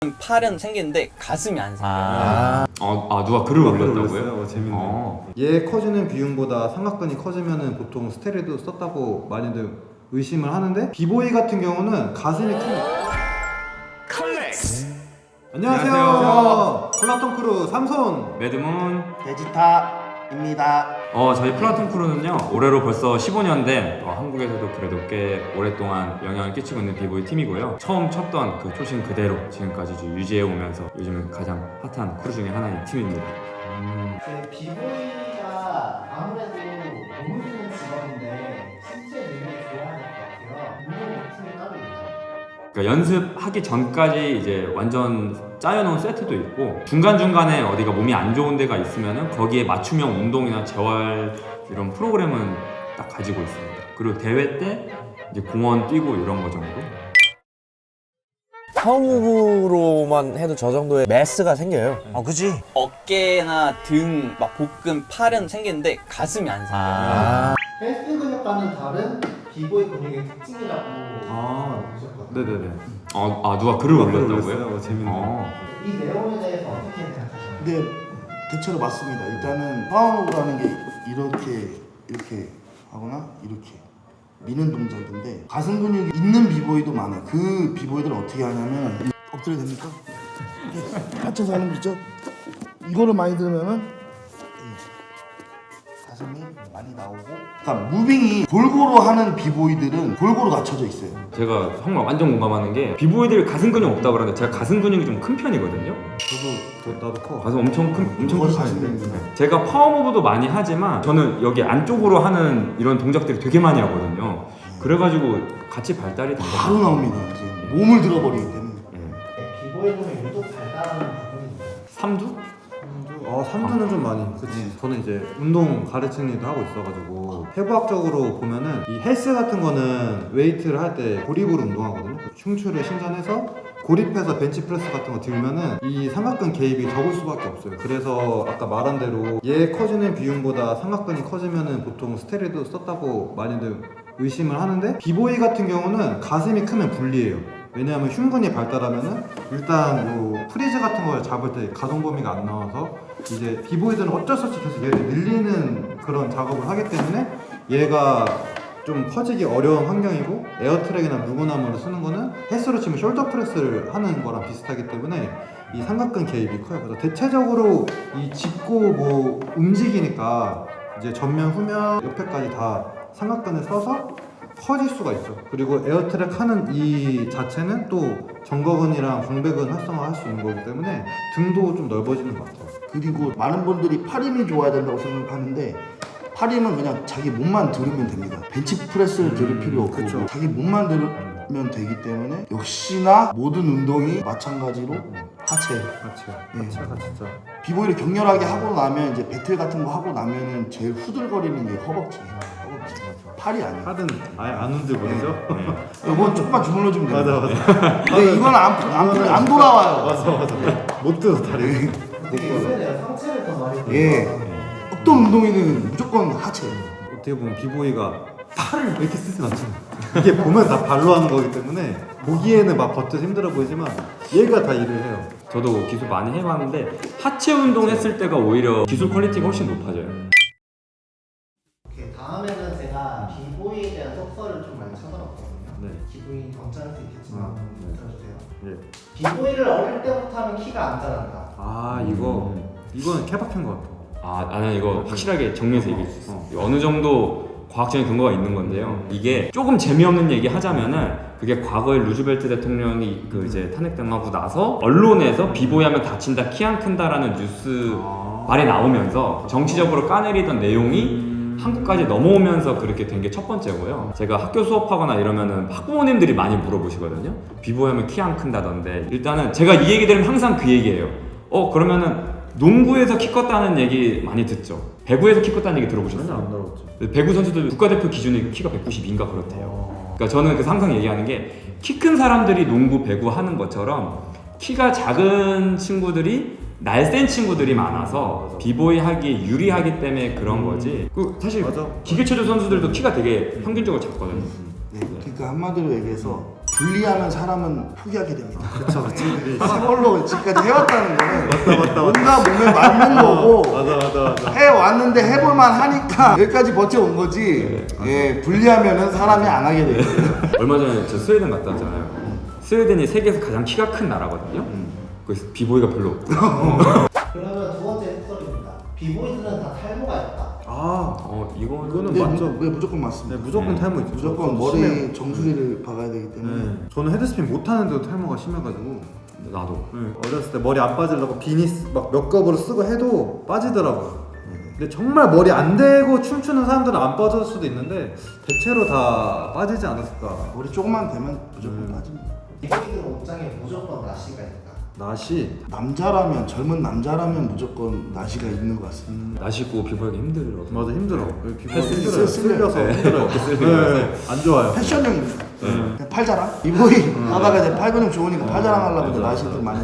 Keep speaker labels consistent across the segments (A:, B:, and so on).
A: 팔은 생기는데 가슴이 안 생겨요.
B: 누가 글을 올렸다고요?
C: 재밌네요. 얘 커지는 비율보다 삼각근이 커지면은 보통 스테로이드 썼다고 많이들 의심을 하는데 비보이 같은 경우는 가슴이 큽니다. 안녕하세요. 플라톤 크루 삼손
B: 매드문.
D: 베지타입니다.
B: 저희 플라톤 크루는요, 올해로 벌써 15년 된 한국에서도 그래도 꽤 오랫동안 영향을 끼치고 있는 비보이 팀이고요. 처음 쳤던 그 초심 그대로 지금까지 유지해 오면서 요즘은 가장 핫한 크루 중에 하나인 팀입니다.
D: 그 비보이가 아무래도 몸을 쓰는 직업인데 신체 능력이 좋아야 될 것 같아요. 운동 루틴이 따로 있나요?
B: 그러니까 연습하기 전까지 이제 완전 짜여놓은 세트도 있고 중간중간에 어디가 몸이 안 좋은 데가 있으면은 거기에 맞춤형 운동이나 재활 이런 프로그램은 딱 가지고 있습니다. 그리고 대회 때 이제 공원 뛰고 이런 거 정도.
E: 파워무브로만 해도 저 정도의 매스가 생겨요. 그치?
A: 어깨나 등, 막 복근, 팔은 생기는데 가슴이 안 생겨요.
D: 헬스 근육과는 다른 비보이 근육의 특징이라고 보셨거든요.
C: 네네네.
B: 누가 글을 올렸다고요?
C: 재밌네요.
D: 이 내용에 대해서 어떻게 생각하시나요?
F: 근데 대체로 맞습니다. 일단은 파워무브라는 게 이렇게 하거나 이렇게 미는 동작인데 가슴 근육이 있는 비보이도 많아요. 그 비보이들은 어떻게 하냐면 엎드려 됩니까? 이렇게 받쳐서 하는 거 있죠? 이거를 많이 들으면은 가슴이 많이 나오고, 그러니까 무빙이 골고루 하는 비보이들은 골고루 갖춰져 있어요.
B: 제가 정말 완전 공감하는 게 비보이들 가슴 근육 없다고 그러는데 제가 가슴 근육이 좀 큰 편이거든요.
C: 나도 커.
B: 가슴 엄청 큰
F: 그걸
B: 편인데
F: 사실은
B: 제가 파워무브도 많이 하지만 저는 여기 안쪽으로 하는 이런 동작들을 되게 많이 하거든요. 그래가지고 같이 발달이 된
F: 바로 나옵니다. 이제 몸을 들어버리기 때문에.
D: 비보이 중에 유독 발달하는 부분이 있나요?
B: 삼두?
C: 삼두는 좀 많이. 그치. 저는 이제 운동 가르치는 일도 하고 있어가지고 해부학적으로 보면은 이 헬스 같은 거는 웨이트를 할 때 고립으로 운동하거든요. 흉추를 신전해서 고립해서 벤치프레스 같은 거 들면은 이 삼각근 개입이 적을 수밖에 없어요. 그래서 아까 말한 대로 얘 커지는 비율보다 삼각근이 커지면은 보통 스테로이드 썼다고 많이들 의심을 하는데 비보이 같은 경우는 가슴이 크면 불리해요. 왜냐하면 흉근이 발달하면은 일단 요 프리즈 같은 걸 잡을 때 가동 범위가 안 나와서 이제 비보이들은 어쩔 수 없이 계속 얘를 늘리는 그런 작업을 하기 때문에 얘가 좀 커지기 어려운 환경이고 에어트랙이나 무구나무를 쓰는 거는 헬스로 치면 숄더 프레스를 하는 거랑 비슷하기 때문에 이 삼각근 개입이 커요. 그래서 대체적으로 이 짚고 뭐 움직이니까 이제 전면, 후면, 옆에까지 다 삼각근을 써서 커질 수가 있죠. 그리고 에어트랙 하는 이 자체는 또 정거근이랑 광배근 활성화할 수 있는 거기 때문에 등도 좀 넓어지는 것 같아요.
F: 그리고 많은 분들이 팔 힘이 좋아야 된다고 생각하는데 팔 힘은 그냥 자기 몸만 들으면 됩니다. 벤치프레스를 들을 필요 없고
C: 그쵸.
F: 자기 몸만 들으면 되기 때문에 역시나 모든 운동이 마찬가지로 하체.
C: 하체가 진짜.
F: 비보이를 격렬하게 하고 나면 이제 배틀 같은 거 하고 나면은 제일 후들거리는 게 허벅지예요. 허벅지. 팔이 아니에요.
C: 팔은 아예 안 흔들거리죠?
F: 이건 조금만 주물러주면 됩니다.
C: 맞아.
F: 근데 이건 안 돌아와요.
C: 맞아. 못 들어서 다리.
D: 근데 요새는 상체를 더 많이
F: 예. 어떤 운동이든 무조건 하체예요.
C: 어떻게 보면 비보이가 팔을 이렇게 쓰진 않잖아요. 이게 보면 다 발로 하는 거기 때문에 보기에는 막 버텨서 힘들어 보이지만 얘가 다 일을 해요.
B: 저도 기술 많이 해봤는데 하체 운동 했을 때가 오히려 기술 퀄리티가 훨씬 높아져요.
D: 오케이, 다음에는 제가 비보이에 대한 속설을 좀 많이 찾아봤거든요.
C: 네.
D: 기분이 괜찮을 수 있겠지만 한번 들어주세요.
C: 예.
D: 비보이를 어릴 때부터 하면 키가 안 자란다.
C: 이거는 케바케인 것 같아.
B: 나는 이거 확실하게 정리해서 얘기해 줄 수 있어. 어느 정도 과학적인 근거가 있는 건데요. 이게 조금 재미없는 얘기 하자면은 그게 과거에 루즈벨트 대통령이 그 이제 탄핵당하고 나서 언론에서 비보이하면 다친다, 키 안 큰다라는 뉴스 말이 나오면서 정치적으로 까내리던 내용이 한국까지 넘어오면서 그렇게 된 게 첫 번째고요. 제가 학교 수업하거나 이러면은 학부모님들이 많이 물어보시거든요. 비보이하면 키 안 큰다던데. 일단은 제가 이 얘기 들으면 항상 그 얘기예요. 그러면은 농구에서 키 컸다는 얘기 많이 듣죠. 배구에서 키 컸다는 얘기 들어보셨어요?
C: 안 들어봤죠.
B: 배구 선수들 국가대표 기준이 키가 192인가 그렇대요. 그러니까 저는 그 항상 얘기하는 게 키 큰 사람들이 농구, 배구 하는 것처럼 키가 작은 친구들이 날쌘 친구들이 많아서 비보이 하기에 유리하기 때문에 그런 거지. 사실
C: 맞아.
B: 기계체조 선수들도 키가 되게 평균적으로 작거든요.
F: 네, 그러니까 한마디로 얘기해서 분리하면 사람은 포기하게 됩니다. 그쵸. 시골로 지금까지 해왔다는 거는 뭔가 몸에 맞는 거고
C: 맞아.
F: 해왔는데 해볼만 하니까 여기까지 버텨온 거지. 예, 분리하면은 사람이 안 하게 돼요.
B: 얼마 전에 저 스웨덴 갔다 왔잖아요. 스웨덴이 세계에서 가장 키가 큰 나라거든요. 그래서 비보이가 별로 없고.
D: 그러면 두 번째 해설입니다. 비보이들은 다 탈모가 있다.
B: 이거는
F: 네,
C: 맞죠.
F: 네, 무조건 맞습니다.
C: 네, 무조건 탈모 있죠.
F: 무조건
C: 저도
F: 머리
C: 심해요.
F: 정수리를 박아야 되기 때문에.
C: 네. 저는 헤드스핀 못하는데도 탈모가 심해가지고
B: 나도.
C: 어렸을 때 머리 안 빠지려고 비니 막 몇 겹으로 쓰고 해도 빠지더라고요. 근데 정말 머리 안 대고 춤추는 사람들은 안 빠질 수도 있는데 대체로 다 빠지지 않았을까.
F: 머리 조금만 되면 무조건 빠집니다.
D: 비보이들 옷장에 무조건 나시가 있다.
C: 나시
F: 남자라면 젊은 남자라면 무조건 나시가 있는 것 같습니다.
B: 나시고 비보이가 힘들어.
C: 맞아 힘들어. 피부가
B: 쓸-
C: 힘들어요. 쓸려서
B: 네.
C: 힘들어요. 네, 안 좋아요.
F: 패션형입니다. 그냥 팔자랑 이보이 하다가 이제 팔 근육 좋으니까 팔자랑 하려고 나시들 많이.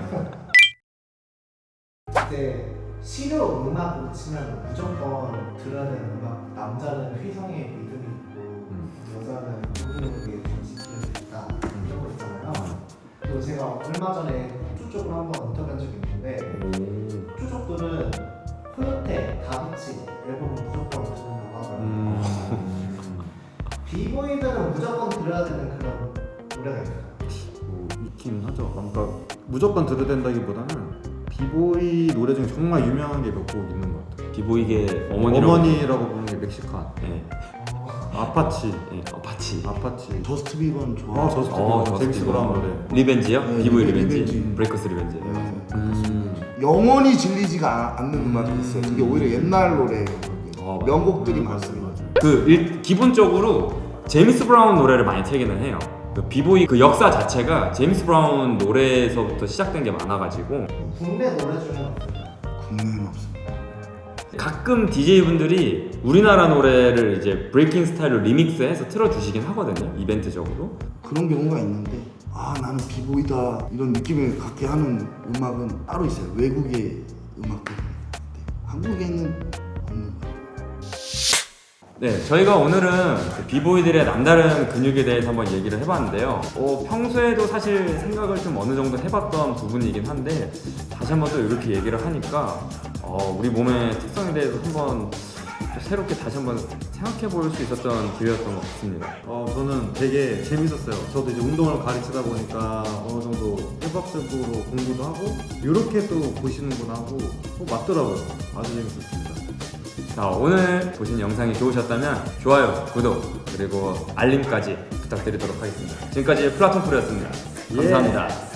D: 이제 실효 음악으로 치면 무조건 들어야 되는 음악. 남자는 휘성의 리듬이 있고 여자는 누구누구의 지키는 있다. 이런 거 있잖아요. 그리고 제가 얼마 전에 호주 쪽으로 한번 인터뷰한 적이 있는데 호주 쪽들은 코요테, 다비치 앨범은 무조건 듣는다고 하더라고요. 비보이들은 무조건 들어야 되는 그런 노래가 있어요.
C: 있긴 하죠. 그러니까 무조건 들어야 된다기보다는 비보이 노래 중에 정말 유명한 게 몇 곡 있는 것 같아요.
B: 비보이게 어머니라고.
C: 어머니라고 부르는 게 멕시칸,
B: 네.
C: 아파치,
B: 아파치.
C: 아파치.
F: 저스트 비버는 좋아.
C: 저스트
B: 저스트
C: 제임스
B: 비버.
C: 브라운 노래.
B: 리벤지요?
F: 네,
B: 비보이
F: 리벤지.
B: 리벤지. 브레이커스 리벤지.
F: 영원히 질리지가 않는 음악이 있어요. 이게 오히려 옛날 노래
B: 맞아.
F: 명곡들이 많습니다.
B: 기본적으로 제임스 브라운 노래를 많이 틀기는 해요. 그 비보이 그 역사 자체가 제임스 브라운 노래에서부터 시작된 게 많아가지고
D: 국내 노래 중에는 없어요.
F: 국내는 없습니다.
B: 가끔 DJ분들이 우리나라 노래를 이제 브레이킹 스타일로 리믹스해서 틀어주시긴 하거든요. 이벤트적으로.
F: 그런 경우가 있는데 나는 비보이다 이런 느낌을 갖게 하는 음악은 따로 있어요. 외국의 음악들. 한국에는 없는 것 같아요.
B: 네, 저희가 오늘은 그 비보이들의 남다른 근육에 대해서 한번 얘기를 해봤는데요. 평소에도 사실 생각을 좀 어느 정도 해봤던 부분이긴 한데 다시 한번 또 이렇게 얘기를 하니까 우리 몸의 특성에 대해서 한번 또 새롭게 다시 한번 생각해 볼 수 있었던 기회였던 것 같습니다.
C: 저는 되게 재밌었어요. 저도 이제 운동을 가르치다 보니까 어느 정도 해박적으로 공부도 하고 이렇게 또 보시는구나 하고 맞더라고요. 아주 재밌었습니다.
B: 자, 오늘 보신 영상이 좋으셨다면 좋아요, 구독, 그리고 알림까지 부탁드리도록 하겠습니다. 지금까지 플라톤 프로였습니다. 감사합니다.